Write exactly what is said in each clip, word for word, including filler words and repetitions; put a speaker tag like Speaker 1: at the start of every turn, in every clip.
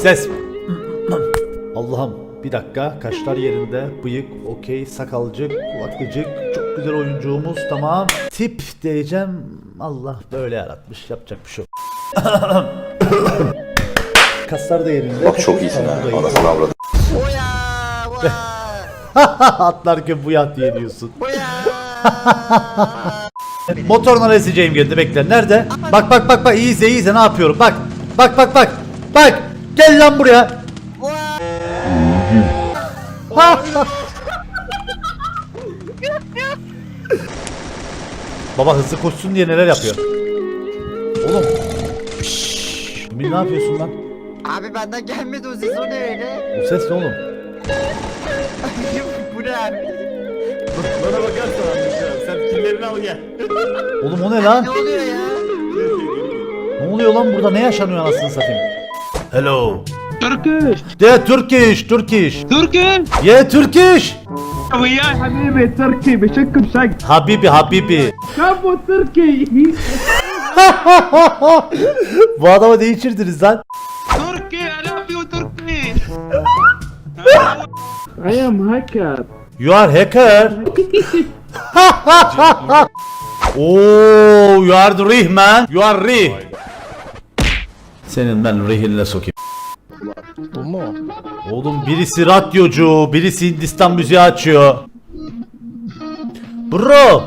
Speaker 1: Ses. Allah'ım bir dakika, kaşlar yerinde, bıyık okey, sakalcık, kulaklıcık, çok güzel oyuncumuz, tamam. Tip diyeceğim, Allah böyle yaratmış, yapacak bir şey yok. Kaslar da yerinde.
Speaker 2: Bak çok iyisin ha. Anasını avradım.
Speaker 1: Atlarken bu yat diye diyorsun. Motoruna eseceğim geldi, bekle. Nerede? Bak bak bak bak, iyi izle iyi izle ne yapıyorum, bak. Bak bak bak. Bak. Gel lan buraya. Baba hızlı koşsun diye neler yapıyor. Oğlum. Şşş. Ne yapıyorsun lan?
Speaker 3: Abi benden gelmedi o ses, o ne öyle?
Speaker 1: O ses ne oğlum?
Speaker 3: Bu ne abi?
Speaker 4: Bana bakarsan anlayacağım. Sen pillerini al gel.
Speaker 1: Oğlum o ne lan?
Speaker 3: Ne oluyor ya?
Speaker 1: Ne oluyor lan burada, ne yaşanıyor anasını satayım? Hello.
Speaker 5: Turkish.
Speaker 1: De Turkish, Turkish.
Speaker 5: Turkish.
Speaker 1: Yeah, Turkish.
Speaker 5: وياي حبيبي تركي بشكل شق.
Speaker 1: Habibi, Habibi.
Speaker 5: كابو تركي.
Speaker 1: Bu adamı değiştirdiniz lan.
Speaker 5: تركي I love you Turkey. I am hacker.
Speaker 1: You are hacker. Oh, you are the rih man. You are rih. Senin ben rihinle sokayım.
Speaker 4: Bu mu?
Speaker 1: Oğlum birisi radyocu, birisi Hindistan müziği açıyor. Bro.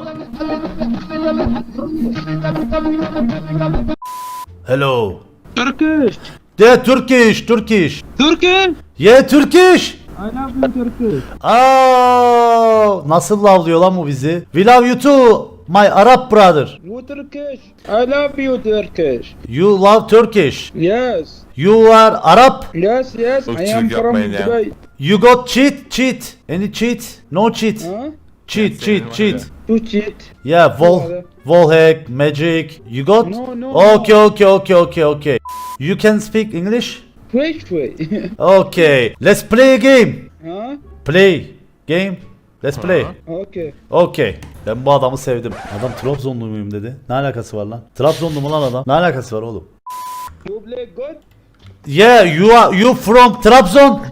Speaker 1: Hello.
Speaker 5: Turkish.
Speaker 1: De Turkish, Turkish.
Speaker 5: Turkish.
Speaker 1: Yeah, Turkish.
Speaker 5: I love you Turkish.
Speaker 1: Aa, nasıl lavlıyor lan bu bizi? We love you too, my Arab brother.
Speaker 5: You Turkish. I love you Turkish.
Speaker 1: You love Turkish.
Speaker 5: Yes.
Speaker 1: You are Arab.
Speaker 5: Yes yes I am
Speaker 4: Irkçılık
Speaker 5: from
Speaker 4: yapmayın ya.
Speaker 5: Dubai.
Speaker 1: You got cheat, cheat. Any cheat? No cheat.
Speaker 5: Huh?
Speaker 1: Cheat, cheat, cheat.
Speaker 5: To cheat.
Speaker 1: Yeah, wall, wall hack, magic. You got?
Speaker 5: No, no,
Speaker 1: Okay, okay, okay, okay, okay. You can speak English?
Speaker 5: Wait wait.
Speaker 1: Okay. Let's play a game.
Speaker 5: Huh?
Speaker 1: Play game. Let's play.
Speaker 5: Okay.
Speaker 1: Okay. Ben bu adamı sevdim. Adam Trabzonlu muyum dedi. Ne alakası var lan? Trabzonlu mu lan adam? Ne alakası var oğlum?
Speaker 5: You play good?
Speaker 1: Yeah, you are you from Trabzon?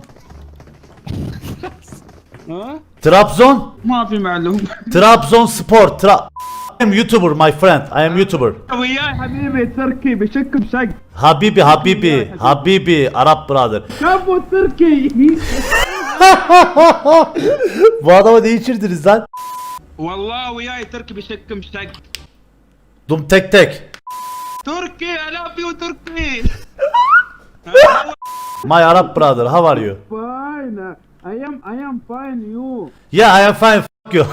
Speaker 5: Huh?
Speaker 1: Trabzon?
Speaker 5: ما في معلوم.
Speaker 1: Trabzon Sport. Tra I am YouTuber, my friend. I am YouTuber.
Speaker 5: وياي حبيبي تركي بشكل شق.
Speaker 1: Habibi, Habibi, Habibi, Arap brother.
Speaker 5: كابو تركي.
Speaker 1: Bu adamı değiştirdiniz lan.
Speaker 5: والله وياي تركي بشكل شق.
Speaker 1: Dum tek tek.
Speaker 5: تركي I love you تركي.
Speaker 1: My Arab brother, how are you?
Speaker 5: Fine. I am I am fine you.
Speaker 1: Yeah, I am fine. F you.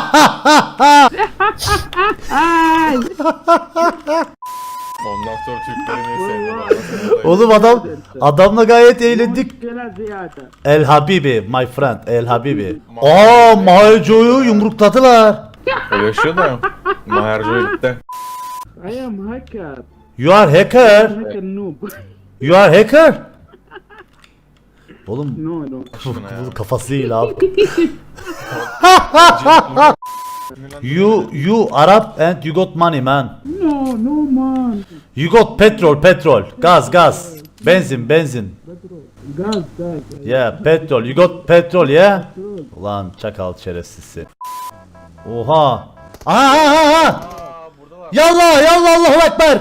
Speaker 4: Ondan sonra Türkleri sevdim.
Speaker 1: Oğlum adam adamla gayet eğlendik.
Speaker 5: مشكلة زيادة.
Speaker 1: El Habibi, my friend, El Habibi. Aa, Mahalco'yu yumrukladılar.
Speaker 4: O yaşıyor da. Maherco gitti.
Speaker 5: I am hacker.
Speaker 1: You are hacker.
Speaker 5: Hacker noob.
Speaker 1: You are hacker. Oğlum
Speaker 5: No no.
Speaker 1: bu kafası değil abi. You you Arab and you got money man.
Speaker 5: No no man.
Speaker 1: You got petrol, petrol, gaz, gaz, benzin, benzin.
Speaker 5: Gaz gaz.
Speaker 1: Yeah, petrol. You got petrol, yeah? Ulan çakal şerefsizsi. Oha. Aha, aha, aha. Yallah, yallah, Allahu Ekber.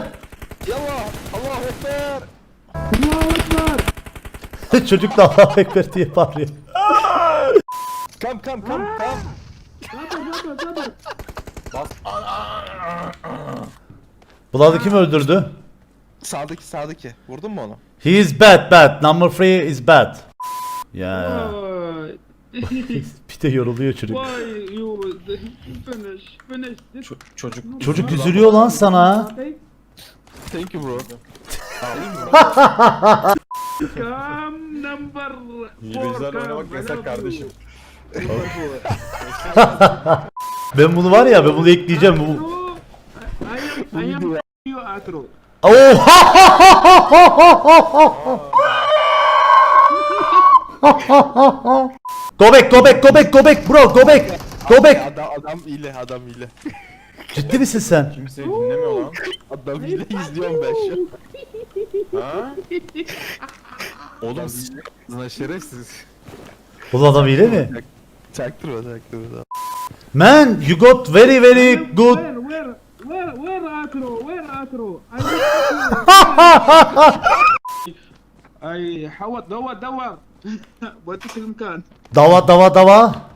Speaker 5: Allahu Ekber.
Speaker 1: Çocuk da Allahu Ekber diye bağırıyor.
Speaker 4: Kam kam kam kam.
Speaker 5: Sabır sabır sabır.
Speaker 1: Bulanı kim öldürdü?
Speaker 4: Sağdaki sağdaki. Vurdun mu onu?
Speaker 1: He is bad, bad. Number three is bad. Ya.
Speaker 5: Why?
Speaker 1: Bir de yoruluyor çocuk.
Speaker 5: Why you finish finish this?
Speaker 4: Çocuk.
Speaker 1: Çocuk üzülüyor lan sana.
Speaker 4: Thank you bro.
Speaker 5: Come number
Speaker 4: İngilizler oynamak yasak kardeşim.
Speaker 1: Ben bunu var ya, ben bunu ekleyeceğim. Bu...
Speaker 5: I am I am you atro.
Speaker 1: Oha! Go back, go back, go back, go back bro, go back. Go back.
Speaker 4: Adam adam ile adam ile.
Speaker 1: Ciddi misin sen?
Speaker 4: Kimse dinlemiyor lan. Adam ile izliyorum ben şu an. Ha? Oğlum siz lan şerefsiz.
Speaker 1: Bu adam hile mi?
Speaker 4: Çaktırma çaktırma.
Speaker 1: Man, you got very very good.
Speaker 5: Where, where, where, where Atro? Where Atro? I I حوط دور دور. بوديك المكان.
Speaker 1: Dava dava dava.